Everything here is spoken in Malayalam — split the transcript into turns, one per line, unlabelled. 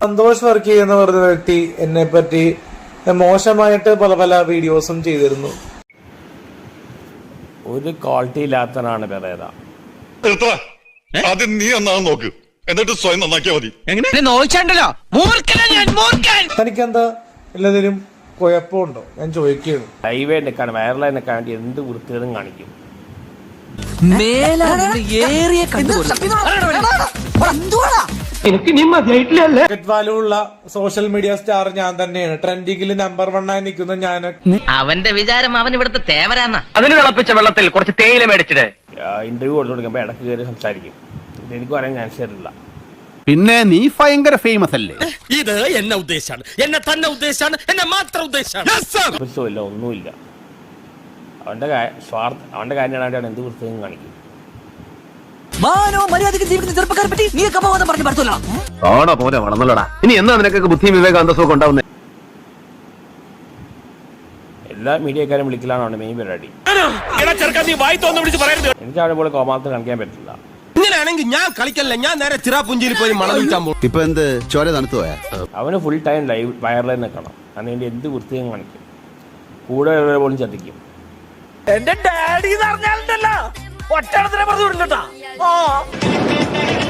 സന്തോഷ് വർക്കി എന്ന് പറഞ്ഞ വ്യക്തി എന്നെ പറ്റി മോശമായിട്ട് പല പല വീഡിയോസും ചെയ്തിരുന്നു.
ഒരു ക്വാളിറ്റി ഇല്ലാത്തനാണ് പെരേര.
ആദ്യം നീ നന്നാവും നോക്ക്, എന്നിട്ട് സ്വയം നന്നാക്കിയാ മതി.
തനിക്കെന്താ എല്ലാത്തിനും കുഴപ്പമുണ്ടോ ഞാൻ ചോദിക്കുകയാണ്.
ലൈവായി നിൽക്കാൻ വൈറലായി നിൽക്കാൻ വേണ്ടി എന്ത് വൃത്തികളും കാണിക്കും.
വാല്യുള്ള സോഷ്യൽ മീഡിയ സ്റ്റാർ ഞാൻ തന്നെയാണ്. ട്രെൻഡിങ്ങിൽ നമ്പർ 1 ആയി നിൽക്കുന്ന ഞാൻ.
അവന്റെ വിചാരം അവൻ ഇവിടുത്തെ തേവരാന്ന.
അതിന് തിളപ്പിച്ച വെള്ളത്തിൽ കുറച്ച് തേയില മേടിച്ചിട്ട്
ഇന്റർവ്യൂ കൊടുത്തു കൊടുക്കുമ്പോ ഇടയ്ക്ക് കയറി സംസാരിക്കും. എനിക്ക് പറയാൻ ചാൻസ് തരില്ല.
പിന്നെ നീ ഭയങ്കര ഫേമസ് അല്ലേ?
ഇത് എന്നെ ഉദ്ദേശാണ്, എന്നെ തന്നെ ഉദ്ദേശാണ്, എന്നെ മാത്രം ഉദ്ദേശാണ്.
ഇല്ല, ഒന്നുമില്ല. അവന്റെ കാര്യമാണ് എന്ത് വൃത്തിയും കാണിക്കും.
ഇനി എന്നാ നിനക്കൊക്കെ ബുദ്ധിയും വിവേകാന്തസവും ഉണ്ടാവുന്നത്?
എല്ലാ മീഡിയക്കാരും വിളിക്കലാണ് മെയിൻ പരിപാടി. എനിക്ക് അവിടെ പോലെ കോമാളത്തിൽ കാണിക്കാൻ പറ്റില്ല.
ഇങ്ങനെയാണെങ്കിൽ ഞാൻ കളിക്കല്ല, ഞാൻ നേരെ ചിറാപുഞ്ചിയിൽ പോയി മണം വിൽക്കാൻ പോകും.
ഇപ്പൊ എന്ത് ചോര തണുത്തു പോയാ?
അവന് ഫുൾ ടൈം ലൈവ് വയറിൽ നിൽക്കണം. അതിന് എന്ത് വൃത്തിയും കാണിക്കും. കൂടെ പോലും ചതിക്കും.
എന്റെ ഡാഡി പറഞ്ഞാലുണ്ടല്ലോ ഒറ്റ പറഞ്ഞു വിടില്ലട്ടാ.